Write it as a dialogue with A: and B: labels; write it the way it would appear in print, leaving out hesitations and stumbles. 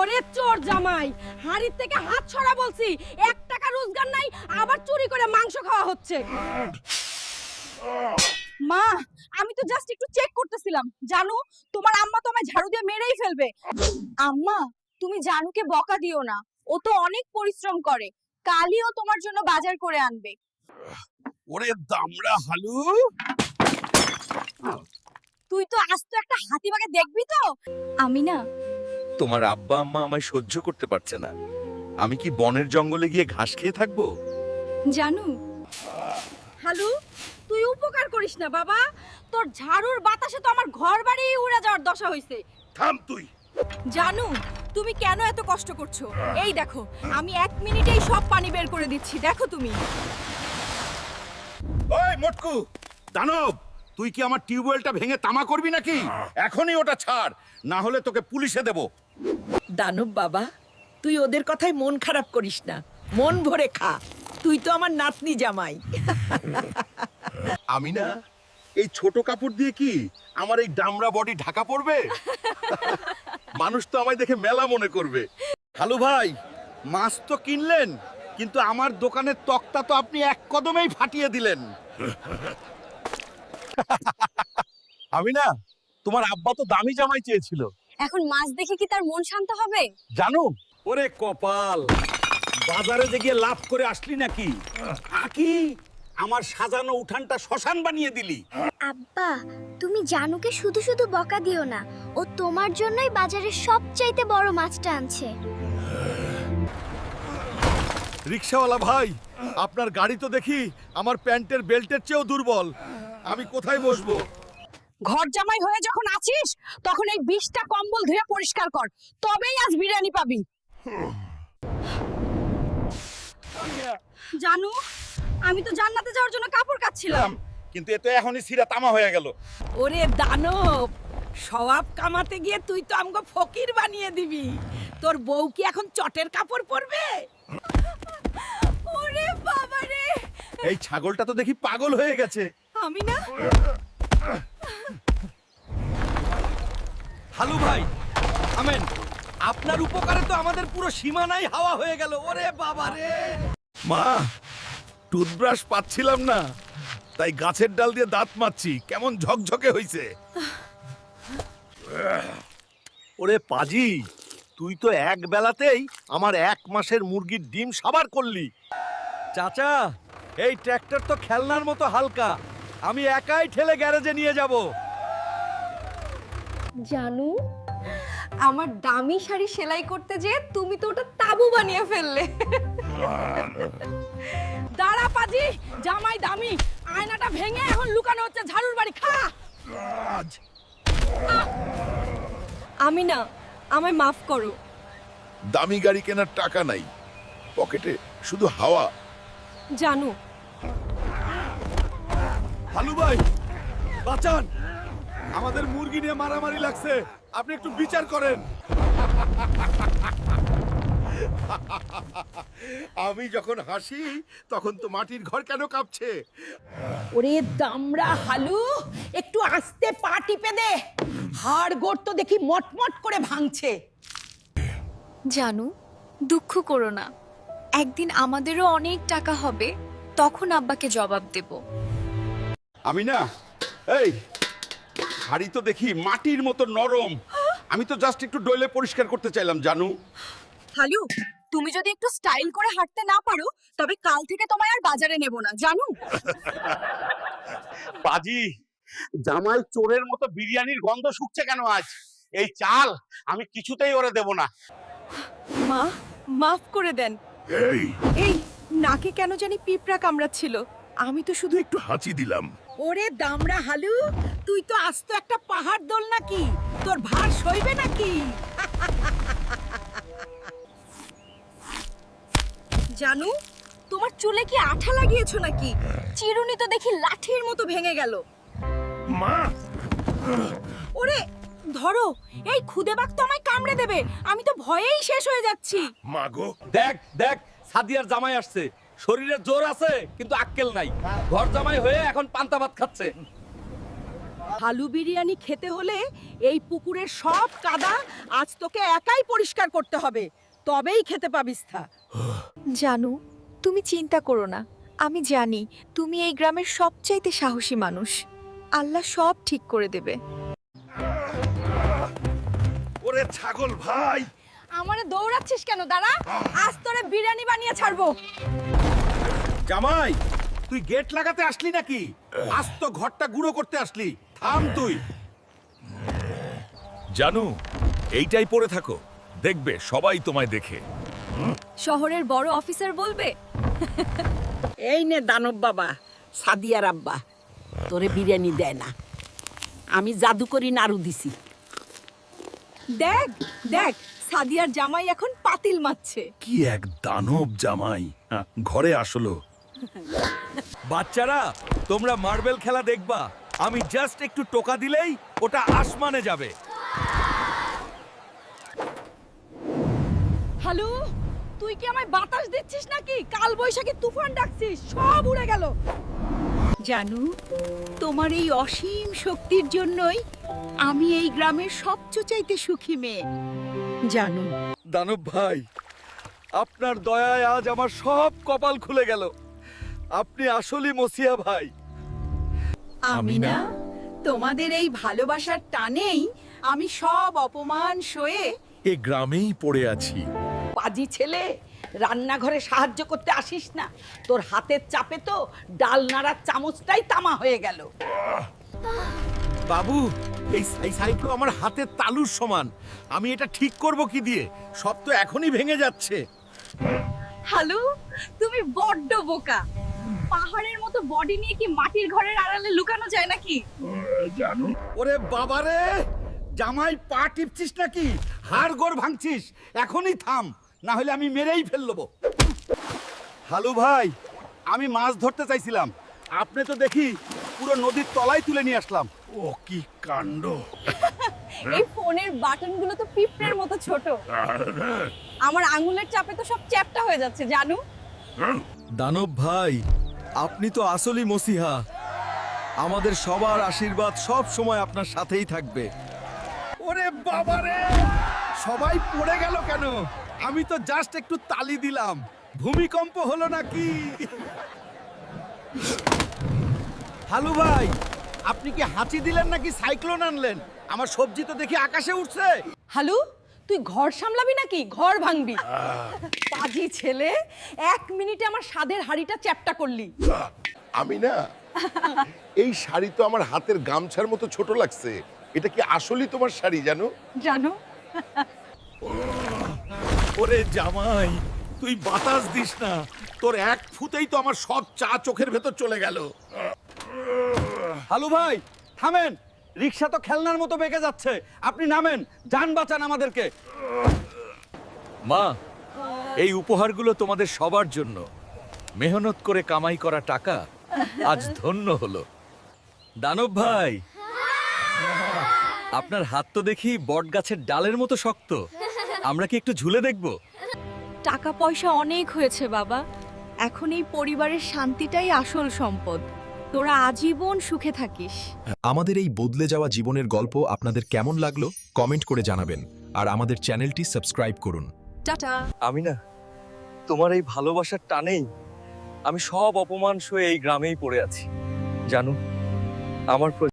A: ওরে চোর জামাই, হাড়ির থেকে হাত ছড়া বলছি। 1 টাকা রোজগার নাই, আবার চুরি করে মাংস খাওয়া হচ্ছে। মা, আমি তো জাস্ট একটু চেক করতেছিলাম। জানো, তোমার আম্মা তো আমায় ঝাড়ু দিয়ে মেরেই ফেলবে। আম্মা, তুমি জানুকে বকা দিও না, ও তো অনেক পরিশ্রম করে। কালই ও তোমার জন্য বাজার করে আনবে।
B: ওরে দামড়া হালু,
A: তুই তো আস্ত একটা হাতিবাগে দেখবি তো। আমি না,
B: তোমার আব্বা আম্মা আমায় সহ্য করতে পারছে না। আমি কি বনের জঙ্গলে গিয়ে ঘাস খেয়ে থাকবো?
A: জানু। হালু, তুই উপকার করিস না বাবা। তোর ঝাড়ুর বাতাসে তো আমার ঘর বাড়ি উড়ে যাওয়ার দশা হইছে।
B: থাম তুই।
A: জানু, তুমি কেন এত কষ্ট করছো? এই দেখো, আমি 1 মিনিটেই সব পানি বের করে দিচ্ছি, দেখো তুমি।
B: ওই মোটকু, দানব, তুই কি আমার টিউবওয়েলটা ভেঙে তামা করবি নাকি? এখনই ওটা ছাড়, না হলে তোকে পুলিশে দেব।
C: দানব বাবা, তুই ওদের কথায় মন খারাপ করিস না, মন ভরে খা। তুই তো আমার নাতনি জামাই।
B: আমি না, এই ছোট কাপড় দিয়ে কি আমার এই ডামরা বডি ঢাকা পড়বে? মানুষ তো আমায় দেখে মেলা মনে করবে। হালু ভাই, মাছ তো কিনলেন, কিন্তু আমার দোকানের তক্তা তো আপনি এক কদমেই ফাটিয়ে দিলেন। আমি না, তোমার আব্বা তো দামি জামাই চেয়েছিল।
A: এখন মাছ দেখে কি তার মন শান্ত হবে?
B: জানো,
D: ওরে কপাল, বাজারে যে গিয়ে লাভ করে আসলি নাকি? আকি আমার সাজানো উঠানটা শ্মশান বানিয়ে দিলি।
E: আব্বা, তুমি জানুকে শুধু শুধু বকা দিও না। ও তোমার জন্যই বাজারের সবচাইতে বড় মাছটা আনছে।
B: রিকশাওয়ালা ভাই, আপনার গাড়ি তো দেখি আমার প্যান্টের বেল্টের চেয়েও দুর্বল। আমি কোথায় বসবো?
A: ঘর জামাই হয়ে যখন আছিস, তখন এই 20টা কম্বল ধুয়ে পরিষ্কার কর, তবেই আজ বিরিয়ানি পাবি। জানু, আমি তো জান্নাতে যাওয়ার জন্য কাপড় কাচ্ছিলাম।
B: কিন্তু এ তো এখনই সিরা তামা হয়ে গেল।
C: ওরে দানব, সওয়াব কামাতে গিয়ে তুই তো আমগো ফকির বানিয়ে দিবি। তোর বউ কি এখন চটের কাপড় পরবে?
A: ওরে বাবা রে,
B: এই ছাগলটা তো দেখি পাগল হয়ে গেছে।
A: আমি না।
D: হালু ভাই, আমেন, আপনার উপকারে তো আমাদের পুরো সীমানাই হাওয়া হয়ে গেল। ওরে বাবা রে!
B: মা, টুথব্রাশ পাচ্ছিলাম না, তাই গাছের ডাল দিয়ে দাঁত মাজছি। কেমন ঝকঝকে হইছে।
D: ওরে পাজি, তুই তো এক বেলাতেই আমার 1 মাসের মুরগির ডিম সাবার করলি। চাচা, এই ট্র্যাক্টর তো খেলনার মতো হালকা, আমি একাই ঠেলে গ্যারেজে নিয়ে যাব।
A: জানু, আমার দামি শাড়ি সেলাই করতে যে তুমি তো ওটা তাবু বানিয়ে ফেললে। দাঁড়া পাজি, জামাই দামি, আয়নাটা ভেঙে এখন লুকানো হচ্ছে ঝাড়ুর বাড়ি। খা। আমি না, আমায় মাফ করো।
B: দামি গাড়ি কেনার টাকা নাই, পকেটে শুধু হাওয়া।
A: জানু,
B: হালু ভাই, বাঁচান, আমাদের মুরগি নিয়ে মারামারি লাগছে, আপনি একটু বিচার করেন। আমি যখন হাসি তখন তো মাটির ঘর কেন কাঁপছে?
C: ওরে দামড়া হালু, একটু আস্তে পা টিপে দে, হাড় গোড় তো দেখি মটমট করে ভাঙছে।
F: জানু, দুঃখ করো না, একদিন আমাদেরও অনেক টাকা হবে, তখন আব্বাকে জবাব দেব।
B: আমি না, এই হাড়ি তো দেখি মাটির মতো নরম। আমি তো জাস্ট একটু ডলে পরিষ্কার করতে চাইলাম। জানু,
A: হালু, তুমি যদি একটু স্টাইল করে হাঁটতে না পারো, তবে কাল থেকে তোমায় আর বাজারে নেব না, জানু।
D: পাজি, জামাই চোরের মতো বিরিয়ানির গন্ধ শুকছে কেন আজ? এই চাল আমি কিছুতেই ওরে দেব না।
A: মা, মাফ করে দেন।
B: এই
C: এই নাকে কেন জানি পিঁপড়া কামড়াচ্ছিল, আমি তো শুধু
B: একটু হাঁচি দিলাম।
C: ওরে দামড়া হালু, তুই তো আস্ত একটা পাহাড় দোল নাকি? তোর ভার সইবে নাকি?
A: জানু, তোমার চুলে কি আঠা লাগিয়েছো নাকি? চিরুনি তো দেখি লাঠির মতো ভেঙে গেল।
B: মা,
A: ওরে ধরো, এই খুদে বাঘ তো আমায় কামড়ে দেবে, আমি তো ভয়েই শেষ হয়ে যাচ্ছি।
B: মাগো,
D: দেখ দেখ, সাদিয়ার জামাই আসছে, শরীরে জোর আছে কিন্তু আক্কেল নাই। ঘর জামাই হয়ে এখন পান্তা ভাত খাচ্ছে।
C: আলু বিরিয়ানি খেতে হলে এই পুকুরের সব কাদা আজ তোকে একাই পরিষ্কার করতে হবে, তবেই খেতে পাবিস থা।
F: জানু তুমি চিন্তা করো না, আমি জানি তুমি এই গ্রামের সবচাইতে সাহসী মানুষ। আল্লাহ সব ঠিক করে দেবে।
B: ওরে ছাগল ভাই,
A: আমারে দৌড়াচ্ছিস কেন? দাঁড়া, আজ তোরে বিরিয়ানি বানিয়ে ছাড়বো।
B: জামাই তুই গেট লাগাতে আসলি নাকি? আজ তো ঘরটা গুঁড়ো করতে আসলি। থাম তুই।
G: জানু, এইটাই পড়ে থাকো, দেখবে সবাই তোমায় দেখে।
F: শহরের বড় অফিসার বলবে।
C: এই নে দানব বাবা, সাদিয়ার আব্বা তোরে বিরিয়ানি দেয় না, আমি জাদু করি নাড়ু দিছি।
A: দেখ দেখ, সাদিয়ার জামাই এখন পাতিল মারছে।
G: কি এক দানব জামাই, ঘরে আসলো।
D: বাচ্চারা, তোমরা মার্বেল খেলা দেখবা, আমি জাস্ট একটু টোকা দিলেই ওটা আসমানে যাবে।
A: হ্যালো, তুই কি আমায় বাতাস দিচ্ছিস নাকি? কাল বৈশাখী তুফান ডাকছিস, সব উড়ে গেল।
C: জানু, তোমার এই অসীম শক্তির জন্যই আমি এই গ্রামের সবচেয়ে সুখী মেয়ে। জানু,
D: দানব ভাই, আপনার দয়ায় আজ আমার সব কপাল খুলে গেল। আপনি আসলেই মসিয়া ভাই।
C: আমি না, তোমাদের এই ভালোবাসার টানেই আমি সব অপমান সয়ে
G: এ গ্রামেই পড়ে আছি।
C: পাজি ছেলে, রান্নাঘরে সাহায্য করতে আসিস না, তোর হাতের চাপে তো ডাল নাড়ার চামচটাই তামা হয়ে গেল।
B: বাবু, এই সাইকেল আমার হাতের তালুর সমান। আমি এটা ঠিক করব কি দিয়ে? সব তো এখনই ভেঙে যাচ্ছে।
A: হ্যালো, তুমি বড্ড বোকা। পাহাড়ের মতো বডি নিয়ে কি মাটির ঘরের আড়ালে লুকানো যায় নাকি?
B: ওরে বাবারে, জামাই পা টিপছিস নাকি? হাড় গোড় ভাঙছিস? এখনই থাম, না হলে আমি মেরেই ফেলবো। হালু ভাই, আমি মাছ ধরতে চাইছিলাম, আপনি তো দেখি পুরো নদীর তলায় তুলে নিয়ে আসলাম।
G: ও কি কাণ্ড!
A: এই ফোনের বাটনগুলো তো পিঁপড়ের মতো ছোট। আমার আঙুলের চাপে তো সব চ্যাপ্টা হয়ে যাচ্ছে, জানু।
D: দানব ভাই, আপনি তো আসলেই মসিহা। আমাদের সবার আশীর্বাদ সব সময় আপনার সাথেই থাকবে।
B: ওরে বাবারে, সবাই পড়ে গেল কেন? আমি তো জাস্ট একটু তালি দিলাম। ভূমিকম্প হলো নাকি? হালু ভাই, আপনি কি হাঁচি দিলেন নাকি সাইক্লোন আনলেন? আমার সবজি তো দেখি আকাশে উঠছে।
A: হ্যালো, তুই ঘর সামলাবি নাকি ঘর ভাঙবি? পাজি ছেলে, 1 মিনিটে আমার স্বাদের হাড়িটা চ্যাপ্টা করলি।
H: আমি না, এই শাড়ি তো আমার হাতের গামছার মতো ছোট লাগছে। এটা কি আসলেই তোমার শাড়ি জানো?
A: জানো,
B: ওরে জামাই, তুই বাতাস দিস না। তোর এক ফুতেই তো আমার সব চা চোখের ভেতর চলে গেল।
D: হালু ভাই, থামেন। রিক্সা তো খেলনার মতো বেঁকে যাচ্ছে। আপনি নামেন, যান বাঁচান আমাদেরকে। মা, এই উপহারগুলো তোমাদের সবার জন্য। মেহনত করে কামাই করা টাকা আজ ধন্য হলো। দানব ভাই, আপনার হাত তো দেখি বট গাছের ডালের মতো শক্ত। আমরা কি একটু ঝুলে দেখব?
F: টাকা পয়সা অনেক হয়েছে বাবা, এখন এই পরিবারের শান্তিটাই আসল সম্পদ। তোরা আজীবন সুখে থাকিস।
I: আমাদের এই বদলে যাওয়া জীবনের গল্প আপনাদের কেমন লাগলো কমেন্ট করে জানাবেন আর আমাদের চ্যানেলটি সাবস্ক্রাইব করুন।
F: টাটা।
D: আমি না, তোমার এই ভালোবাসার টানেই আমি সব অপমান সয়ে এই গ্রামেই পড়ে আছি। জানো, আমার